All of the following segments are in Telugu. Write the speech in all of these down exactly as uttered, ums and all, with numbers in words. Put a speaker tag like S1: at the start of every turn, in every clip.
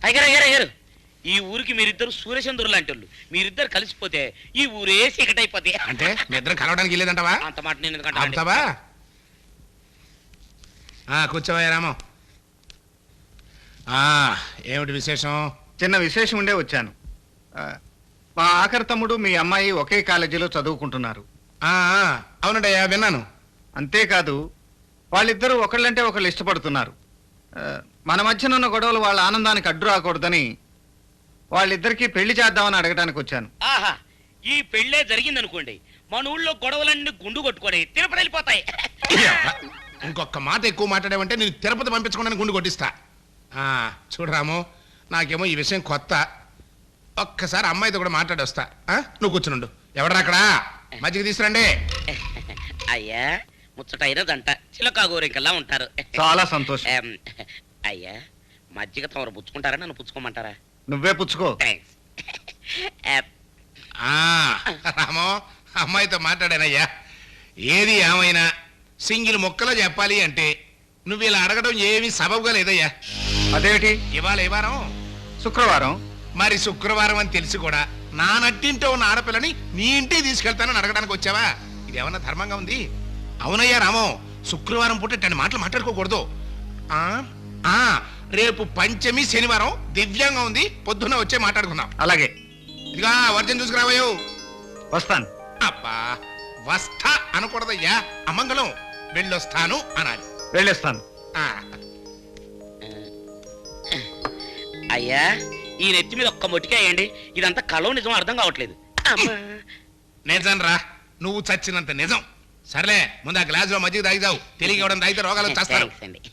S1: అయ్యారు అయ్యారు అయ్యారు ఈ ఊరికి మీరిద్దరు సూర్యచంద్రులు లాంటి వాళ్ళు. మీరిద్దరు కలిసిపోతే ఈ ఊరే చీకటైపోతే.
S2: అంటే మీ ఇద్దరు కలవడానికి వెళ్ళేదంటావా?
S1: అంత మాట నేను ఎందుకంటా.
S2: కూర్చోవయ్యా రామో. ఏమిటి విశేషం?
S3: చిన్న విశేషం ఉండే వచ్చాను. మా ఆఖరి తమ్ముడు మీ అమ్మాయి ఒకే కాలేజీలో చదువుకుంటున్నారు.
S2: అవునండయ్యా, విన్నాను.
S3: అంతేకాదు వాళ్ళిద్దరూ ఒకళ్ళంటే ఒకళ్ళు ఇష్టపడుతున్నారు. మన మధ్యన ఉన్న గొడవలు వాళ్ళ ఆనందానికి అడ్డు రాకూడదని వాళ్ళిద్దరికీ పెళ్లి చేద్దామని అడగడానికి వచ్చాను.
S1: ఆహా, ఈ పెళ్ళే జరిగిందనుకోండి మన ఊళ్ళో గొడవలన్నీ గుండు కొట్టుకోండి తిరుపతి వెళ్ళిపోతాయి.
S2: ఇంకొక మాట ఎక్కువ మాట్లాడేవంటే నేను తిరుపతి పంపించకుండా గుండు కొట్టిస్తా. చూడరాము, నాకేమో ఈ విషయం కొత్త. ఒక్కసారి అమ్మాయితో కూడా మాట్లాడి వస్తా. నువ్వు కూర్చునుండు. ఎవడరా అక్కడ? మజ్జిగ తీసుకురండి.
S1: అయ్యా, ముచ్చటైన దంట చిలకా గోరికల్లా ఉంటారు.
S3: చాలా సంతోషం.
S1: అయ్యా, మజ్జిగ తమరు పుచ్చుకుంటారా నన్ను పుచ్చుకోమంటారా?
S3: నువ్వే పుచ్చుకో.
S2: రామో, అమ్మాయితో మాట్లాడానయ్యా. ఏది ఏమైనా సింగిల్ మొక్కలో చెప్పాలి అంటే నువ్వు ఇలా అడగడం ఏమీ సబబుగా లేదయ్యా.
S3: అదేమిటి?
S2: ఇవాళ ఏ వారం?
S3: శుక్రవారం.
S2: మరి శుక్రవారం అని తెలిసి కూడా నా నట్టింటో ఉన్న ఆడపిల్లని నీ ఇంటికి తీసుకెళ్తానని అడగడానికి వచ్చావా? ఇది ఏమన్నా ధర్మంగా ఉంది? అవునయ్యా రామో, శుక్రవారం పూట ఇట్లాంటి మాటలు మాట్లాడుకోకూడదు. రేపు పంచమి శనివారం దివ్యంగా ఉంది, పొద్దున్న వచ్చే మాట్లాడుకుందాం.
S3: అలాగే.
S2: ఇదిగా వర్జన్ చూసుకురావయ్యో.
S3: వస్తాను.
S2: అబ్బా, వస్తా అనకూడదయ్యా, అమంగళం. వెళ్ళొస్తాను అనాలి.
S3: వెళ్ళొస్తాను.
S1: అయ్యా, ఈ నెత్తి మీద ఒక్క మొట్టికేయండి. ఇదంతా కలో నిజం అర్థం కావట్లేదు.
S2: నిజం రా, నువ్వు చచ్చినంత నిజం. సర్లే, ముందు ఆ గ్లాస్ లో మజ్జిగ తాగిదావు. తెలియక ఇవ్వడం తాగితే రోగాలు వచ్చేస్తారు.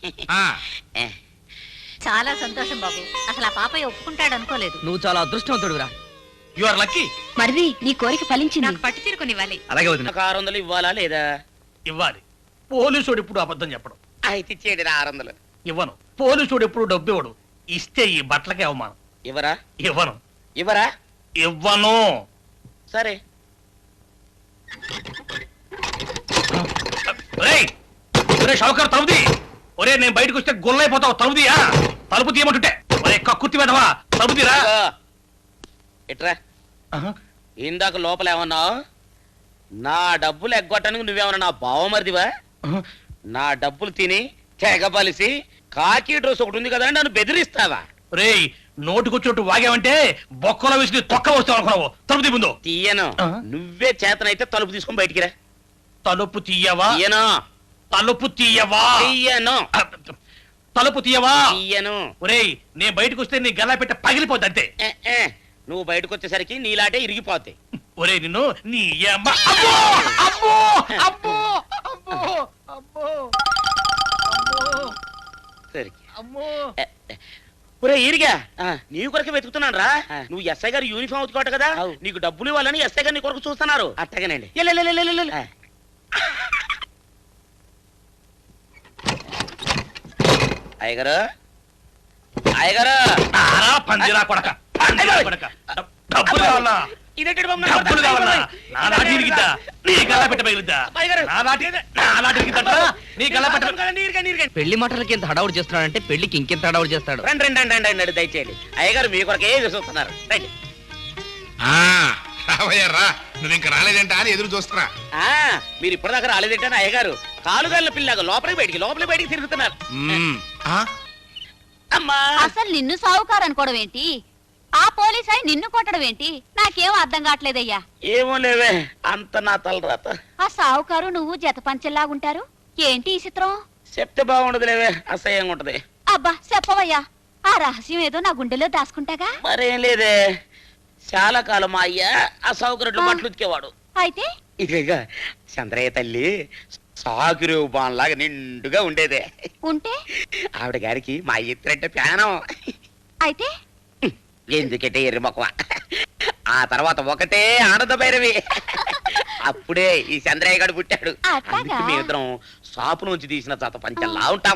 S4: చాలా సంతోషం బాబు. అసలు ఆ పాపయ్య ఒప్పుకుంటాడు అనుకోలేదు.
S5: నువ్వు చాలా అదృష్టవంతుడురా.
S2: You are lucky.
S4: మరిది, నీ కోరిక ఫలించింది. నాకు పట్టు తీరుకునివ్వాలి.
S3: అలాగే వదిన.
S1: నాకు ఆరు వందలు ఇవ్వాలా లేదా?
S6: ఇవ్వాలి. పోలీసుడు ఇప్పుడు అబద్ధం చెప్పడం.
S1: అయితే ఇచ్చేయండి ఆరు వందలు.
S6: ఇవ్వను. పోలీసుడు ఎప్పుడు డబ్బు ఇవ్వడు. ఇస్తే ఈ బట్టలకే అవమానం.
S1: ఇవ్వరా?
S6: ఇవ్వను.
S1: ఇవ్వరా?
S6: ఇవ్వను.
S1: సరే.
S6: షౌకర్ తలుపుది. ఒరే, నేను బయటకు వస్తే గొల్లైపోతావు. తలుపుదియా? తలుపు తీయమంటుంటే ఒరే కక్కుర్తి వెదవా, తలుపుదిరా.
S1: ఎట్రా, ఇందాక లోపల ఏమన్నావు? నా డబ్బులు ఎగ్గొట్టడానికి నువ్వేమన్నా నా బావమరిదివా? నా డబ్బులు తిని తెగబలిసి కాకి డ్రెస్ ఒకటి ఉంది కదా అని నన్ను బెదిరిస్తావా?
S6: రే, నోటుకొచ్చినట్టు వాగావంటే బొక్కలో వేసి తొక్క వస్తావు అనుకున్నావు. తలుపు తీ ముందు.
S1: తీయను. నువ్వే చేతనైతే తలుపు తీసుకొని బయటికి రా.
S6: తలుపు తీయవా?
S1: తీయను.
S6: తలుపు తీయవా?
S1: తీయను.
S6: తలుపు తీయవా?
S1: తీయను.
S6: ఒరేయ్, నేను బయటకు వస్తే నీ గల్లా పెట్ట పగిలిపోద్ది అంతే.
S1: నువ్వు బయటకు వచ్చేసరికి నీలాటే ఇరిగిపోతాయి.
S6: ఒరే, నిన్ను నీ అమ్మ. అబ్బో అబ్బో అబ్బో అబ్బో అబ్బో అమ్మో.
S1: ఒరే ఇరిగా, నీ కొరకే వెతుకుతున్నాను రా. నువ్వు ఎస్ఐ గారు యూనిఫామ్ అవుతుకోట కదా, నీకు డబ్బులు ఇవ్వాలని ఎస్ఐ గారు నీ కొరకు చూస్తున్నారు. అట్టగానండి. అయ్యగారు, అయ్యగారు,
S6: పందిరా కొడక, డబ్బులు కావాలా? డబ్బులు కావాలా? నా నాటి ఇరిగిద్దా? నీ గల్లా పెట్ట పగిలిద్దా? నా నాటి నా నాటి ఇరిగిద్దా? నీ గల్లా పెట్ట.
S5: పెళ్లి మాటలకి ఎంత హడావుడు చేస్తున్నాడంటే పెళ్లికి ఇంకెంత హడావుడు చేస్తాడు.
S1: రండి రండి రండి రండి, దయచేయండి. అయ్యగారు మీ కొరకే చూస్తున్నారు. రండి.
S2: రావయ్యారా, నువ్వు ఇంకా రాలేదంటా అని ఎదురు చూస్తున్నా.
S1: మీరు ఇప్పటిదాకా రాలేదంటే అయ్యగారు కాలుగాళ్ళ పిల్లగా లోపలికి బయటికి లోపలికి బయటికి తిరుగుతున్నారు. అమ్మా,
S4: అసలు నిన్ను సావుకారు అనుకోవడం ఏంటి? ఆ పోలీస్ అయి నిన్ను కొట్టడం ఏంటి? నాకేం అర్థం కావట్లేదయ్యా.
S1: ఏమో లేవే, అంత నా తలరాత.
S4: ఆ సావుకారు నువ్వు జత పంచెల్లాగుంటారు ఏంటి ఈ చిత్రం?
S1: చెప్తే బాగుండదు లేవే, అసహ్యంగా ఉంటది.
S4: అబ్బా చెప్పవయ్యా, ఆ రహస్యం ఏదో నా గుండెలో దాచుకుంటాగా.
S1: మరేం లేదే, చాలా కాలం మా అయ్య ఆ సౌకర్యం బట్టలు ఉతికేవాడు.
S4: అయితే
S1: ఇక చంద్రయ్య తల్లి సాకురు బాన్లాగా నిండుగా ఉండేదే.
S4: ఉంటే
S1: ఆవిడ గారికి మా ఇద్దరంటే ప్యానం.
S4: అయితే
S1: ఎందుకంటే ఎర్రి మొక్కవ. ఆ తర్వాత ఒకటే ఆనంద భైరవి. అప్పుడే ఈ చంద్రయ్య గారు పుట్టాడు. మేమిద్దరం షాపు నుంచి తీసిన జత పంచల్లా ఉంటాం.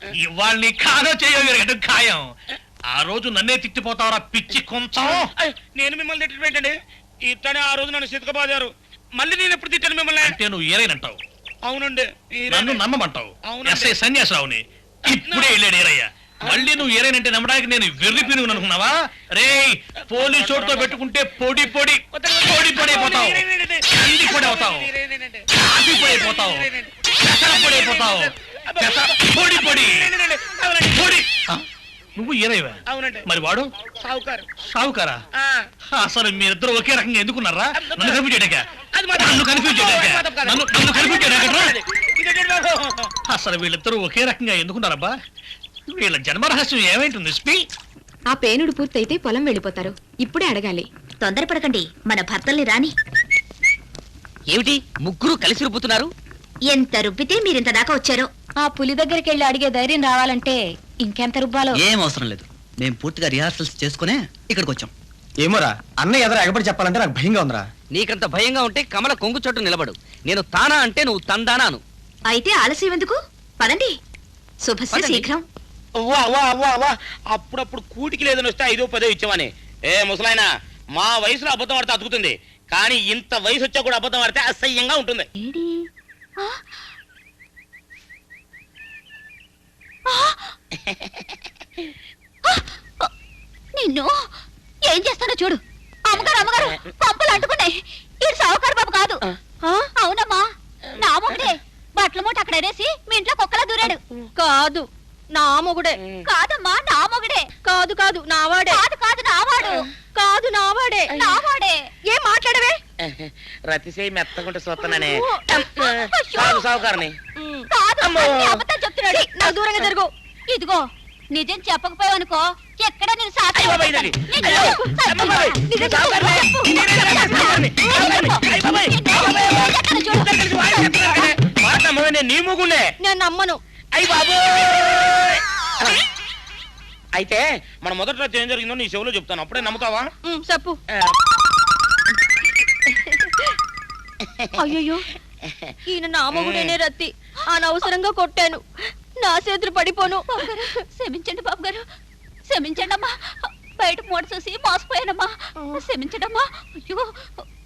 S6: ఇవాళ నీ కాదో చేయగలిగటం ఖాయం. ఆ రోజు నన్నే తిట్టిపోతావరా పిచ్చి కొంచెం.
S1: అయ్, నేను మిమ్మల్ని తిట్టడం ఏంటండి? ఇట్టనే ఆ రోజు నన్ను సితకబాదారు. మళ్ళీ నేను ఎప్పుడు తిట్టాను మిమ్మల్ని?
S6: అంటే నువ్వు ఏరైనంటావు,
S1: అవునండి ఈయనే.
S6: నన్ను నమ్మమంటావు.
S1: అవునండి.
S6: ఎస్ఐ సన్యాసరావుని ఇప్పుడే వెళ్ళాడు ఏరయ్య. మళ్ళీ నువ్వు ఏరైనంటే నమ్మడానికి నేను వెర్రి పినుగు అనుకున్నావా? రే పోలీసు చోటుతో పెట్టుకుంటే పొడి పొడి పొడి పొడి అయిపోతావు, కంది పొడి అవుతావు, కాఫీ పొడి అయిపోతావు, పెసర పొడి అయిపోతావు, పెసర పొడి పొడి పొడి. ఆ, నువ్వు ఏరైవా?
S1: అవునండి.
S6: మరి వాడు
S1: సావుకారు.
S6: సావుకారా?
S1: ఆ,
S6: అసలు మీరిద్దరు ఒకే రకంగా ఎందుకున్నారా? నన్ను కన్ఫ్యూజ్ చేయడాక
S1: అది మాత్రం-
S6: నన్ను కన్ఫ్యూజ్ చేయడాక
S1: అది మాత్రం కాదు.
S6: నన్ను నన్ను కన్ఫ్యూజ్ చేయడాకట్రా?
S1: ఇదేంటి బాబు?
S6: అసలు వీళ్ళిద్దరూ ఒకే రకంగా ఎందుకున్నారబ్బా? వీళ్ళ జన్మరహస్యం ఏమైంటుంది స్పీ?
S7: ఆ పేనుడు పూర్తయితే పొలం వెళ్ళిపోతారు. ఇప్పుడే అడగాలి.
S4: తొందరపడకండి, మన భర్తల్ని రాని.
S5: ఏమిటి ముగ్గురు కలిసి రుబ్బుతున్నారు?
S4: ఎంత రుబ్బితే మీరింత దాకా వచ్చారో.
S7: ఆ పులి దగ్గరికి వెళ్ళి అడిగే ధైర్యం రావాలంటే ఇంకెంత రుబ్బాలో.
S8: ఏం అవసరం లేదు, మేము పూర్తిగా రిహార్సల్స్ చేసుకునే ఇక్కడికి వచ్చాం.
S3: ఏమోరా అన్నయ్య ఎదురు ఎగబడి చెప్పాలంటే నాకు భయంగా ఉందిరా.
S5: నీకంత భయంగా ఉంటే కమల కొంగు చోటు నిలబడు. నేను తానా అంటే నువ్వు తందానాను.
S4: అయితే ఆలస్యం ఎందుకు? పదండి. శుభస్య
S5: పదండి.
S4: శీఘ్రం.
S1: వా వా వా వా అప్పుడప్పుడు కూటికి లేదని వస్తే ఐదో పదో ఇచ్చామని. ఏ ముసలాయన, మా వయసులో అబద్ధం ఆడితే అతుకుతుంది, కానీ ఇంత వయసు వచ్చా కూడా అబద్ధం ఆడితే అసహ్యంగా ఉంటుంది.
S4: ఏడి? ఆ? ఆ? ఆ! నిన్ను ఏం చేస్తానో చూడు. అమ్మగారు అమ్మగారు పంపలు అంటుకున్నాయి. ఇది సావుకారు బాబు కాదు. ఆ? అవునమ్మా, నా మొగుడే. బట్టల మూట అక్కడ ఎరేసి మీ ఇంట్లో కుక్కలా దూరాడు. కాదు నా మొగుడే. కాదమ్మా, నా మొగుడే. కాదు కాదు నావాడే. కాదు కాదు నావాడు. కాదు నావాడే. నావాడే. ఏం మాట్లాడవే?
S1: రతిసేయి మెత్తకుంటే చూస్తున్నానే.
S4: అయ్యో.
S1: సాగు సాగుకారని.
S4: కాదు,
S1: అమ్మో.
S4: అన్నీ అబద్ధాలు చెప్తున్నాడు. నా దూరంగా జరుగు. ఇదిగో, నిజం చెప్పకపోయావనుకో ఎక్కడ నేను సాక్షి
S1: అయ్య బాబాయ్,
S4: వహిస్తాను.
S1: ఇదండి.
S4: నిన్ను
S1: అయ్యో,
S4: చంపేస్తాను.
S1: అమ్మ బాబాయ్,
S4: నిజం
S1: నువ్వు సావుకారువే.
S4: చెప్పు.
S1: నేనే సావుకారుని. సావుకారుని. అయ్య బాబాయ్,
S4: నిన్ను ఏం చేస్తానో చూడు.
S1: ఇద్దరు కలిసి వాయిస్ చెప్తున్నారనే. మాట నమ్మవే, నేను నీ మూగుండే.
S4: నేను నమ్మను.
S1: అయ్య బాబు. అయితే మన మొదటి రోజు ఏం జరిగిందో నీ చెవులో చెప్తాను, అప్పుడే నమ్ముతావా?
S4: ఉమ్, చెప్పు.
S1: ఆ,
S4: అయ్యో, ఈయన నా మొగుడేనే రత్తి. అనవసరంగా కొట్టాను. నా చేతులు పడిపోను. క్షమించండి బాబు గారు, క్షమించండి అమ్మా. బయట మూట చూసి మోసపోయానమ్మా. క్షమించండి అమ్మా. అయ్యో